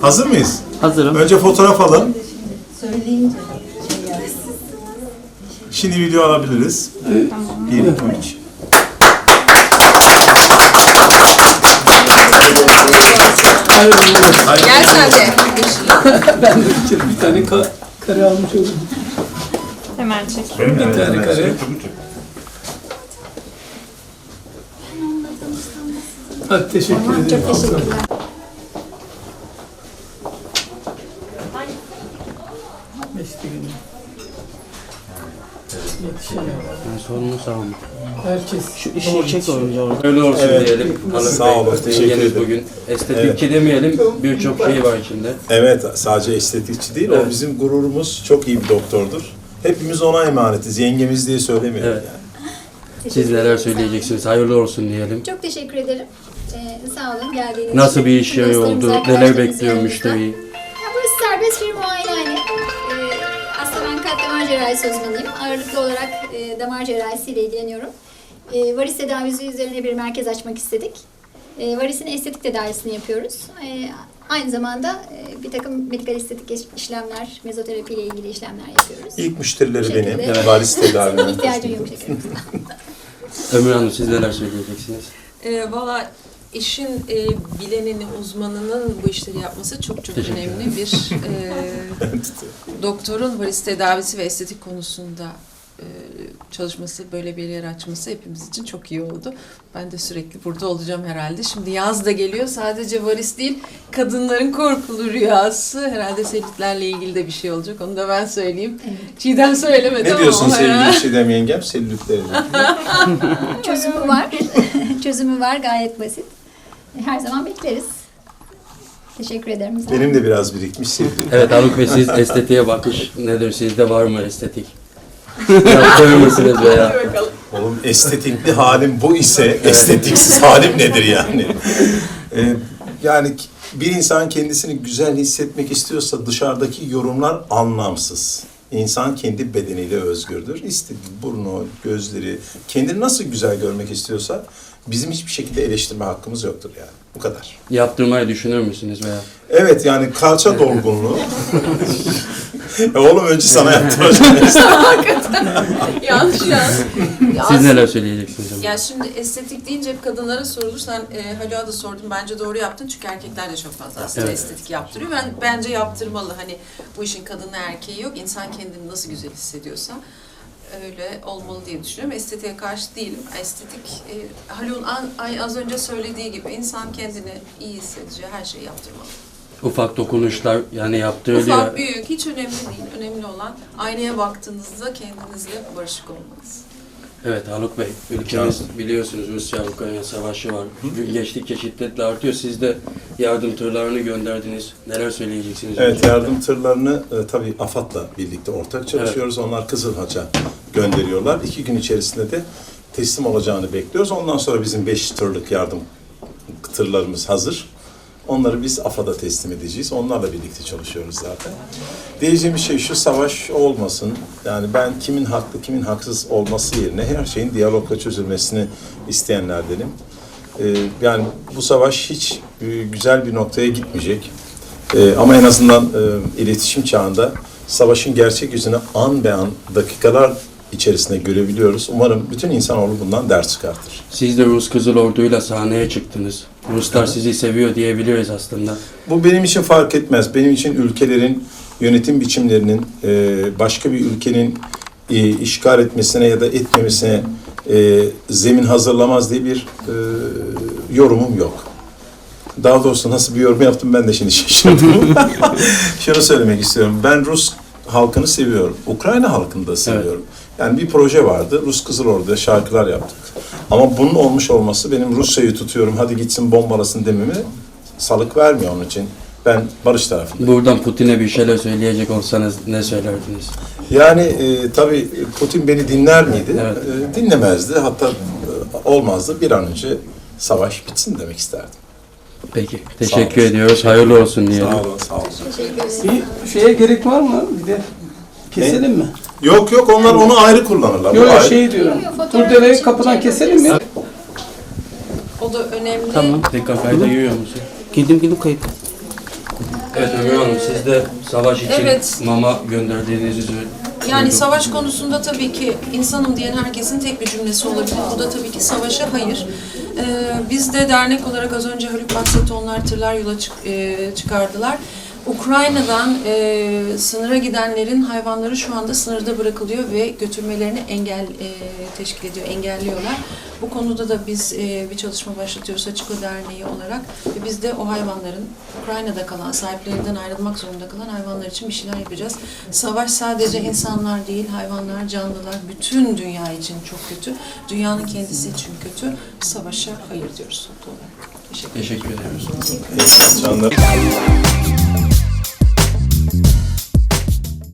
Hazır mıyız? Hazırım. Önce fotoğraf alın. Söyleyince Şimdi video alabiliriz. Tamam. 1, 2, 3. Gel sen de. Ben de bir tane kare almış oldum. Hemen çek. Bir tane kare. Hadi teşekkür ederim. Çok teşekkürler. Beşte günü. Yetişemem. Sorunu sağ olun. Herkes Şu işi çek önce orada. Öyle olsun Evet. diyelim. Hanım Sağ Bey, olun, teşekkür yengeniz ederim. bugün estetikçi demeyelim, birçok şey var içinde. Evet, sadece estetikçi değil, Evet. o bizim gururumuz. Çok iyi bir doktordur. Hepimiz ona emanetiz. Yengemiz diye söylemiyorum Evet. yani. Siz neler söyleyeceksiniz? Hayırlı olsun diyelim. Çok teşekkür ederim. Sağ olun geldiğiniz için. Nasıl bir iş yeri Dostlarımız, oldu? Neler arkadaşlarımız bekliyor yanımızda. müşteriyi? Ya burası serbest bir muayenehane. Aslında ben kalp damar cerrahisi uzmanıyım. Ağırlıklı olarak damar cerrahisiyle ilgileniyorum. Varis tedavisi üzerine bir merkez açmak istedik. Varisin estetik tedavisini yapıyoruz. Aynı zamanda bir takım medikal estetik işlemler, mezoterapi ile ilgili işlemler yapıyoruz. İlk müşterileri Bu benim. şekilde. Evet. Varis Senin tedavime. ihtiyacın yok şekerim. Ömür Hanım siz neler söyleyeceksiniz? Valla işin bileninin, uzmanının bu işleri yapması çok Teşekkür önemli. Bir doktorun varis tedavisi ve estetik konusunda çalışması, böyle bir yer açması hepimiz için çok iyi oldu. Ben de sürekli burada olacağım herhalde. Şimdi yaz da geliyor. Sadece varis değil, kadınların korkulu rüyası. Herhalde selülitlerle ilgili de bir şey olacak. Onu da ben söyleyeyim. Çiğdem söylemedi Ne ama diyorsun o herhalde. sevgili Çiğdem yengem? Selülitlerle. Çözümü var. Çözümü var, gayet basit. Her zaman bekleriz. Teşekkür ederim. Benim de biraz birikmiş selülit. Evet Haluk Bey siz estetiğe bakış nedir? Sizde var mı estetik? Yaptırır mısınız veya? Oğlum estetikli halim bu ise estetiksiz halim nedir yani? Yani bir insan kendisini güzel hissetmek istiyorsa dışarıdaki yorumlar anlamsız. İnsan kendi bedeniyle özgürdür. İstediği burnu, gözleri, kendini nasıl güzel görmek istiyorsa bizim hiçbir şekilde eleştirme hakkımız yoktur yani. Bu kadar. Yaptırmayı düşünür müsünüz veya? Evet yani kalça dolgunluğu. Oğlum önce sana yaptıracağım. Yanlış ya. Siz neler söyleyeceksiniz? Ömür? Ya şimdi estetik deyince hep kadınlara sorulur. Sen Haluk'a da sordun. Bence doğru yaptın. Çünkü erkekler de çok fazla aslında Evet. estetik yaptırıyor. Bence yaptırmalı. Hani bu işin kadını erkeği yok. İnsan kendini nasıl güzel hissediyorsa öyle olmalı diye düşünüyorum. Estetiğe karşı değilim. Estetik, Haluk'un az önce söylediği gibi insan kendini iyi hissedeceği her şeyi yaptırmalı. Ufak dokunuşlar yani yaptırılıyor. Ufak, büyük hiç önemli değil. Önemli olan aynaya baktığınızda kendinizle barışık olmanız. Evet Haluk Bey, ülkemiz biliyorsunuz Rusya-Ukrayna savaşı var. Gün geçtikçe şiddetle artıyor. Siz de yardım tırlarını gönderdiniz. Neler söyleyeceksiniz? Evet, yardım tırlarını tabii AFAD'la birlikte ortak çalışıyoruz. Onlar Kızılhaç'a gönderiyorlar. 2 gün içerisinde de teslim olacağını bekliyoruz. Ondan sonra bizim 5 tırlık yardım tırlarımız hazır. Onları biz AFAD'a teslim edeceğiz. Onlarla birlikte çalışıyoruz zaten. Diyeceğim şey şu, savaş olmasın. Yani ben kimin haklı, kimin haksız olması yerine her şeyin diyalogla çözülmesini isteyenlerdenim. Yani bu savaş hiç güzel bir noktaya gitmeyecek. Ama en azından iletişim çağında savaşın gerçek yüzünü an be an, dakikalar içerisinde görebiliyoruz. Umarım bütün insanoğlu bundan ders çıkartır. Siz de Rus Kızıl Ordu'yla sahneye çıktınız. Ruslar sizi seviyor diyebiliriz aslında. Bu benim için fark etmez. Benim için ülkelerin yönetim biçimlerinin başka bir ülkenin işgal etmesine ya da etmemesine zemin hazırlamaz diye bir yorumum yok. Daha doğrusu nasıl bir yorum yaptım ben de şimdi şaşırdım. Şunu söylemek istiyorum. Ben Rus halkını seviyorum. Ukrayna halkını da seviyorum. Yani bir proje vardı. Rus Kızıl Ordu'da şarkılar yaptık. Ama bunun olmuş olması benim Rusya'yı tutuyorum, hadi gitsin bombalasın dememi salık vermiyor onun için. Ben barış tarafındayım. Buradan Putin'e bir şeyler söyleyecek olsanız ne söylerdiniz? Yani tabii Putin beni dinler miydi? Evet. Dinlemezdi. Hatta olmazdı. Bir an önce savaş bitsin demek isterdim. Peki, teşekkür ediyoruz. Hayırlı olsun diyelim. Sağ olun, sağ olun. Teşekkür ederim. bir şeye gerek var mı? Bir de keselim mi? Yok yok, onlar onu ayrı kullanırlar. Bu Yok ayrı. şey diyorum. Yok, fotoğraf Turdereyi için kapıdan şey keselim mi? O da önemli. Tekrar kayda giriyor musun? Girdim kayıt. Evet Ömür Hanım, siz de savaş için Evet. mama gönderdiğinizi Yani savaş konusunda tabii ki insanım diyen herkesin tek bir cümlesi olabilir. Bu da tabii ki savaşa hayır. Biz de dernek olarak az önce Haluk bahsetti, onlar tırlar yola çıkardılar. Ukrayna'dan sınıra gidenlerin hayvanları şu anda sınırda bırakılıyor ve götürmelerini teşkil ediyor, engelliyorlar. Bu konuda da biz bir çalışma başlatıyoruz Hachiko Derneği olarak ve biz de o hayvanların Ukrayna'da kalan, sahiplerinden ayrılmak zorunda kalan hayvanlar için bir şeyler yapacağız. Savaş sadece insanlar değil, hayvanlar, canlılar, bütün dünya için çok kötü. Dünyanın kendisi için kötü. Savaşa hayır diyoruz toplu olarak. Teşekkür ederim. teşekkür ediyoruz. Canlar.